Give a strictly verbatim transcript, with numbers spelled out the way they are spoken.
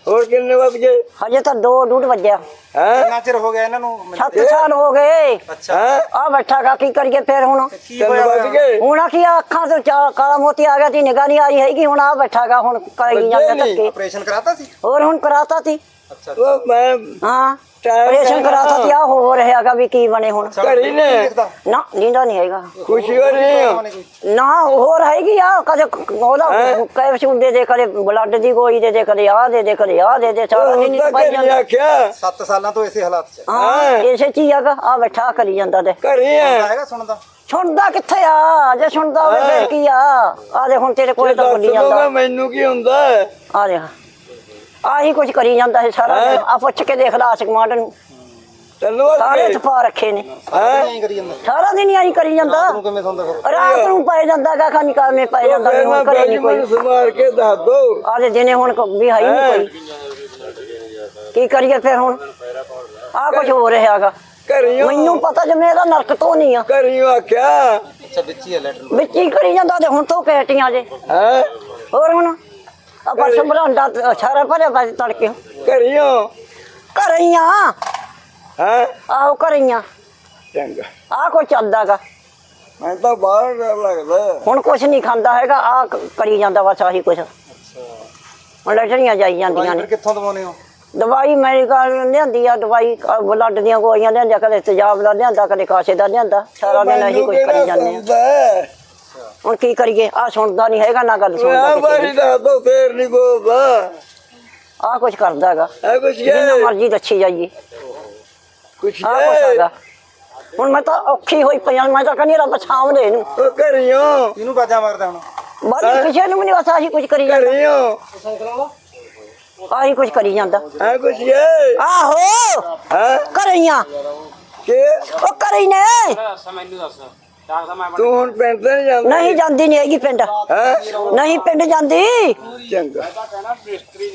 ਹੋਰ ਕਿੰਨੇ ਵਜ ਗਏ? ਹਜੇ ਤਾਂ ਦੋ ਡੂਢ ਵੱਜਿਆ। ਹੈ ਕਿੰਨਾ ਚਿਰ ਹੋ ਗਿਆ ਇਹਨਾਂ ਨੂੰ? ਸੱਤ ਸਾਲ ਹੋ ਗਏ। ਅੱਛਾ ਆ ਬੈਠਾਗਾ ਕੀ ਕਰੀਏ ਫਿਰ ਹੁਣ? ਕੀ ਤਿੰਨ ਹੋਇਆ ਵਜ ਗਏ? ਹੁਣ ਕੀ ਅੱਖਾਂ ਤੋਂ ਚਾ- ਕਾਲਾ ਮੋਤੀ ਆ ਗਿਆ ਤੀ, ਨਿਗਾਹ ਨਹੀਂ ਆਈ ਹੈਗੀ। ਹੁਣ ਆ ਬੈਠਾਗਾ ਹੁਣ ਕਰੀ ਜਾਂਦਾ ਧੱਕੇ। ਆਪਰੇਸ਼ਨ ਕਰਾਤਾ ਸੀ? ਹੋਰ ਹੁਣ ਕਰਾਤਾ ਤੀ। ਅੱਛਾ ਉਹ ਮੈਂ ਹਾਂ ਟਾਈਮ ਆਪਰੇਸ਼ਨ ਕਰਾਤਾ ਤੀ। ਆ ਹੋ ਰਿਹਾਗਾ ਵੀ ਕੀ ਬਣੇ ਹੁਣ। ਘਰੀ ਨੇ ਨਾ ਨੀਂਦਾ ਨਹੀਂ ਹੈਗਾ ਖੁਸ਼ੀ ਹੋ ਰਹੀ ਹੋ? ਨਾ ਹੋਰ ਹੈਗੀ ਆ ਕਦੇ ਉਹਦਾ ਕੈਪਸੂਲ ਦੇ ਦੇ, ਕਦੇ ਬਲੱਡ ਦੀ ਗੋਲੀ ਦੇ ਦੇ, ਕਦੇ ਆ ਦੇ ਦੇ, ਕਦੇ ਆ ਦੇ ਦੇ, ਸਾਰਾ ਦਿਨ ਤਾਂ ਪਾਈ ਘਰੀ ਜਾਂਦਾ। ਆਖਿਆ ਸੱਤ ਸਾਲਾਂ ਤੋਂ ਇਸੇ ਹਾਲਾਤ 'ਚ ਹਾਂ ਇਸੇ ਚ ਹੀ ਹੈਗਾ। ਆ ਬੈਠਾ ਕਰੀ ਜਾਂਦਾ ਤੇ ਘਰੀ ਹੈ ਹੈਗਾ ਸੁਣਦਾ? ਸੁਣਦਾ ਕਿੱਥੇ ਆ? ਜੇ ਸੁਣਦਾ ਹੋਵੇ ਫਿਰ ਕੀ ਆ? ਆ ਦੇ ਹੁਣ ਤੇਰੇ ਕੋਲ ਤਾਂ ਬੋਲੀ ਦੱਸ ਜਾਂਦਾ। ਦੂੰਗਾ ਮੈਨੂੰ ਕੀ ਹੁੰਦਾ ਹੈ? ਆ ਦੇ ਆਹੀ ਕੁਝ ਕਰੀ ਜਾਂਦਾ ਹੈ ਸਾਰਾ ਦਿਨ। ਆ ਪੁੱਛ ਕੇ ਦੇਖ ਲਾ ਆਸ਼ਕ ਮਾਡਨ ਨੂੰ, ਤੈਨੂੰ ਵਜ ਸਾਰੇ ਗਏ? ਤਪਾ ਰੱਖੇ ਨੇ। ਐਂ ਕਰੀ ਜਾਂਦਾ? ਸਾਰਾ ਦਿਨ ਹੀ ਆਹੀ ਕਰੀ ਜਾਂਦਾ। ਤੂੰ ਕਿਵੇਂ ਸੌਂਦਾ ਫਿਰ? ਰਾਤ ਨੂੰ ਪੈ ਜਾਂਦਾ ਗਾ ਖਾਨੀ ਕਾਵੇਂ ਪੈ ਜਾਂਦਾ ਵੀ ਫਿਰ ਮੈਂ ਹੁਣ ਘਰੇ ਨਹੀਂ ਕੋਈ। ਮੈਨੂੰ ਸਮਾਰ ਕੇ ਦੱਸ ਦੋ। ਆ ਦੇ ਦਿਨੇ ਹੁਣ ਕ- ਵੀ ਹੈ ਹੀ ਨਹੀਂ ਕੋਈ। ਕੀ ਕਰੀਏ ਫਿਰ ਹੁਣ? ਆ ਕੁਝ ਹੋ ਰਿਹਾਗਾ। ਘਰੀ ਹੋ? ਮੈਨੂੰ ਪਤਾ ਜੇ ਮੇਰਾ ਨਰਕ ਤੋਂ ਨਹੀਂ ਆ। ਘਰੀ ਹੋ ਆਖਿਆ ਅੱਛਾ ਵਿੱਚ ਹੀ ਹੈ ਲੈਟਰ? ਵਿੱਚ ਹੀ ਕਰੀ ਜਾਂਦਾ ਤੇ ਹੁਣ ਤੋਂ ਕੈਟੀਆਂ ਜੇ। ਹੈ ਹੋਰ ਹੁਣ ਆ ਪਰਸ ਬਰਾਂਡਾ ਸਾਰਾ ਭਰਿਆ ਪਾ ਤੜਕੇ। ਘਰੀ ਹੋ? ਘਰੇ ਹੀ ਆ। ਹੈ ਆਹੋ ਘਰੇ ਹੀ ਆ। ਚੰਗਾ ਆ ਕੋਈ ਚੱਲਦਾਗਾ ਮੈਂ ਤਾਂ ਬਾਹਰ ਡਰ ਲੱਗਦਾ। ਹੁਣ ਕੁਛ ਨਹੀਂ ਖਾਂਦਾ ਹੈਗਾ। ਆ ਕਰੀ ਜਾਂਦਾ ਬਸ ਆਹੀ ਕੁਛ। ਹੁਣ ਲੈਟਰੀਆਂ ਜਾਈ ਜਾਂਦੀਆਂ ਨੇ। ਫਿਰ ਕਿੱਥੋਂ ਦਵਾਉਨੇ ਹੋ? ਦਵਾਈ ਮੈਡੀਕਲ ਲਿਆਂਦੀ ਆ। ਦਵਾਈ ਬਲੱਡ ਦੀਆਂ ਗੋਲੀਆਂ ਲਿਆਂਦੀਆਂ, ਕਦੇ ਤੇਜ਼ਾਬ ਦਾ ਲਿਆਂਦਾ, ਕਦੇ ਕਾਸੇ ਦਾ ਲਿਆਂਦਾ। ਸਾਰਾ ਦਿਨ ਅਸੀਂ ਕੁਝ ਕਰੀ ਜਾਂਦੇ ਆ। ਹੁਣ ਕੀ ਕਰੀਏ? ਆ ਸੁਣਦਾ ਨਹੀਂ ਹੈਗਾ ਨਾ ਗੱਲ ਸੁਣਦਾ ਆ ਕਿਸੇ ਬਾਰੀ ਦੀ। ਦੱਸ ਦੋ ਫੇਰ ਨਹੀਂ ਬੋਲਦਾ। ਆ ਕੁਛ ਕਰਦਾ ਹੈਗਾ। ਹੈ ਕੁਛ ਜਿੰਨਾ ਮਰਜ਼ੀ ਦੱਸੀ ਜਾਈਏ ਕੁਛ ਆ ਕੁਛ ਹੈਗਾ। ਹੁਣ ਮੈਂ ਤਾਂ ਔਖੀ ਹੋਈ ਪਈ ਆਂ। ਮੈਂ ਤਾਂ ਕਹਿੰਦੀ ਰੱਬ ਸਾਂਭਦੇ ਇਹਨੂੰ। ਉਹ ਘਰੀ ਹੋ? ਇਹਨੂੰ ਬਾਜਾ ਮਾਰਦਾ ਹੁਣ? ਬਾਕੀ ਕਿਸੇ ਨੂੰ ਵੀ ਨਹੀਂ ਪਤਾ। ਆਹੀ ਕੁਝ ਕਰੀ ਜਾਂਦਾ। ਘਰੀ ਹੋ? ਆਹੀ ਕੁਝ ਕਰੀ ਜਾਂਦਾ। ਹੈ ਕੁਛ ਇਹ? ਆਹੋ ਹੈ ਕਰਈਆਂ ਕਿ ਉਹ ਕਰੀ ਨੇ। ਤੂੰ ਹੁਣ ਪਿੰਡ ਤੇ ਨਹੀਂ ਜਾਂਦਾ? ਨਹੀਂ ਜਾਂਦੀ ਨਹੀਂ ਹੈਗੀ ਪਿੰਡ। ਹੈ ਨਹੀਂ ਪਿੰਡ ਜਾਂਦੀ। ਚੰਗਾ